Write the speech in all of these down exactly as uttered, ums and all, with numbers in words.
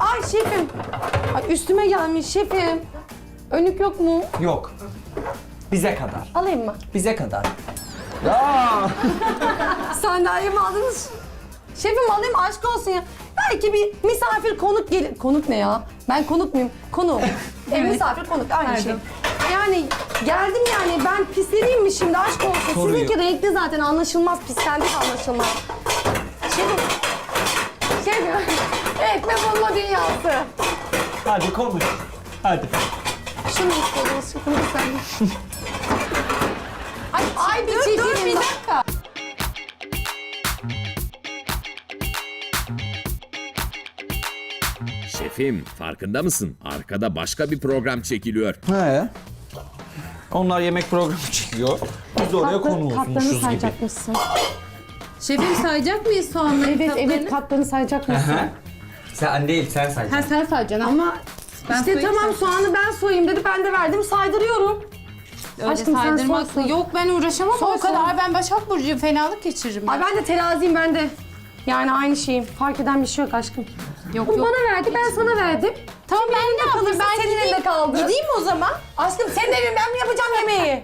Ay şefim. Ay üstüme gelmiş şefim. Önlük yok mu? Yok. Bize kadar. Alayım mı? Bize kadar. Ya. Sandalyemi aldınız. Şefim alayım aşk olsun ya. Belki bir misafir konuk gelir. Konuk ne ya? Ben konuk muyum? Konuk. E, misafir konuk aynı Pardon. şey. Yani geldim yani ben pisleneyim mi şimdi aşk olsun. Soruyor. Sizinki renkli zaten anlaşılmaz. Pislendik anlaşılmaz. Şefim. Şefim. Ekmek bulma dünyası. Hadi konuş. Hadi. Şunu istiyordunuz şefim lütfen. Ay, ay bir dur, dur bir dakika. Şefim, farkında mısın? Arkada başka bir program çekiliyor. He. Onlar yemek programı çekiyor. Biz oraya konu Katlarını olmuşuz gibi. sayacakmışsın. Şefim sayacak mıyız soğanları? Evet kaplarını? evet katlarını sayacakmışsın. Hı. Sen değil, sen sayacaksın. Ha sen sayacaksın ama ben İşte soyayım, tamam sen- soğanı ben soyayım dedi ben de verdim saydırıyorum. Öyle Aşkım sen saydırmak- soy, soy. Yok ben uğraşamam Soy, o kadar. soy. Ben Başak Burcu'yum, fenalık geçiririm. Ay ben de teraziyim ben de. Yani aynı şeyim. Fark eden bir şey yok aşkım. Yok Bunu yok. bana verdi ben sana verdim. Tamam ben ne yapayım? kalırsa Ben senin gideyim, elinde kaldı. Gideyim o zaman. Aşkım senin evin ben mi yapacağım yemeği?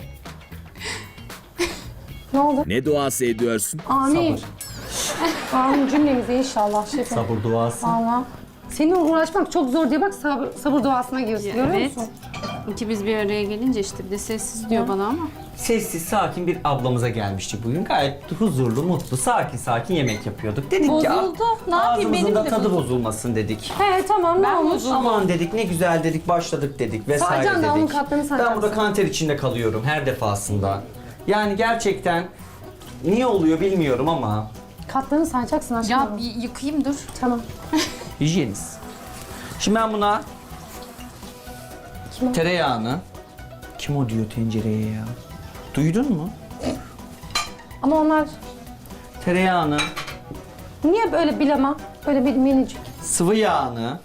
Ne oldu? Ne duası ediyorsun? Amin. Amin cümlemize inşallah şefim. Sabır duası. Valla. Seninle uğraşmak çok zor diye bak sabır, sabır duasına girsin. Görüyor Evet. musun? İkimiz bir araya gelince işte bir de sessiz diyor bana ama. Sessiz, sakin bir ablamıza gelmiştik bugün. Gayet huzurlu, mutlu, sakin sakin yemek yapıyorduk. Dedik ki Bozuldu. Ne yapayım, ağzımızın benim da de tadı bozuldu. bozulmasın dedik. He tamam ne Ben olmuş? bozuldum. Aman dedik ne güzel dedik başladık dedik vesaire Sayacaksın da onun dedik. katlarını Ben sayacaksın. burada kanter içinde kalıyorum her defasında. Yani gerçekten niye oluyor bilmiyorum ama Katlarını sayacaksın aşkım. Ya bir yıkayayım dur. Tamam. hijyeniz. Şimdi ben buna Kim o? tereyağını kim o diyor tencereye ya? Duydun mu? Ama onlar Tereyağını, niye böyle bilama? Böyle bir minicik. sıvı yağını,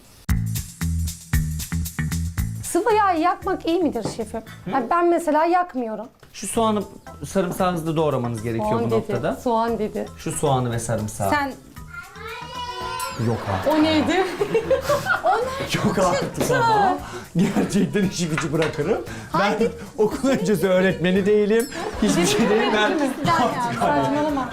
Sıvı yağı yakmak iyi midir şefim? Yani ben mesela yakmıyorum. şu soğanı sarımsağınızı doğramanız gerekiyor Soğan bu dedi. noktada. Soğan dedi. Şu soğanı ve sarımsağı. Sen Yok artık. O neydi? Yok artık ama. Gerçekten işi gücü bırakırım. Ben okul öncesi öğretmeni değilim. Hiçbir şey değilim. Ben Saçmalama.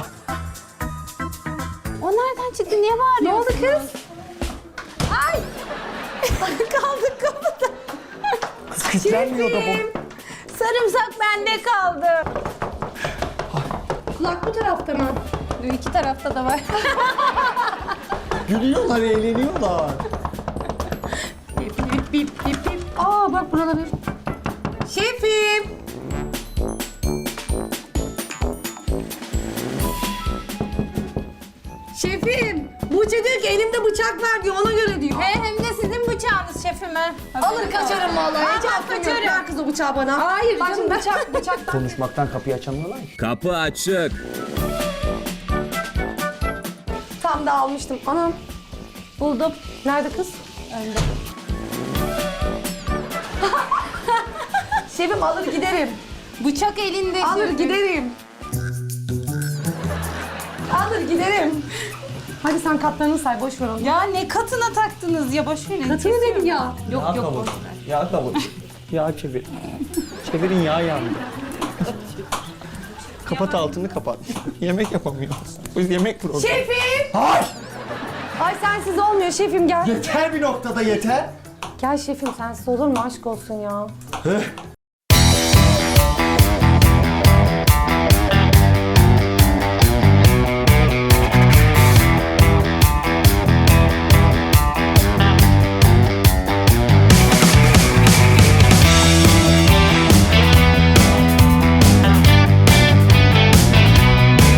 o nereden çıktı? Niye bağırıyorsun? Ne oldu kız? Ay! Kaldık kapıda. kız kütlenmiyor da bu. Sarımsak bende kaldı. Kulak bu tarafta mı? İki tarafta da var. Gülüyorlar, eğleniyorlar. Bip bip bip bip bip. Aa bak burada bir. Şefim. Şefim, Buğçe diyor ki elimde bıçak var diyor ona göre diyor. He, hem de sizin bıçağınız şefime. Alır kaçarım vallahi. Hiç Tamam, aklım yok. kaçarım. Ver kız o bıçağı bana. Hayır Bak canım, şimdi ben- bıçak, bıçak. Konuşmaktan kapıyı açamıyorlar ki. Kapı açık. Tam da almıştım. Anam. Buldum. Nerede kız? Önde. Şefim alır giderim. Bıçak elinde. Alır şefim. giderim. Alır giderim. Hadi sen katlarını say boş ver onu. Ya ne katına taktınız ya, boş verin. Katını dedim ya. Yok Yağ yok kavur. boş ver. Yağ kavur. Yağ çevir. Çevirin yağ yandı. Kapat altını kapat. Yemek yapamıyoruz. Biz yemek programı. Şefim! Hayır! Ay sensiz olmuyor şefim gel. Yeter bir noktada yeter. Gel şefim sensiz olur mu aşk olsun ya. Heh.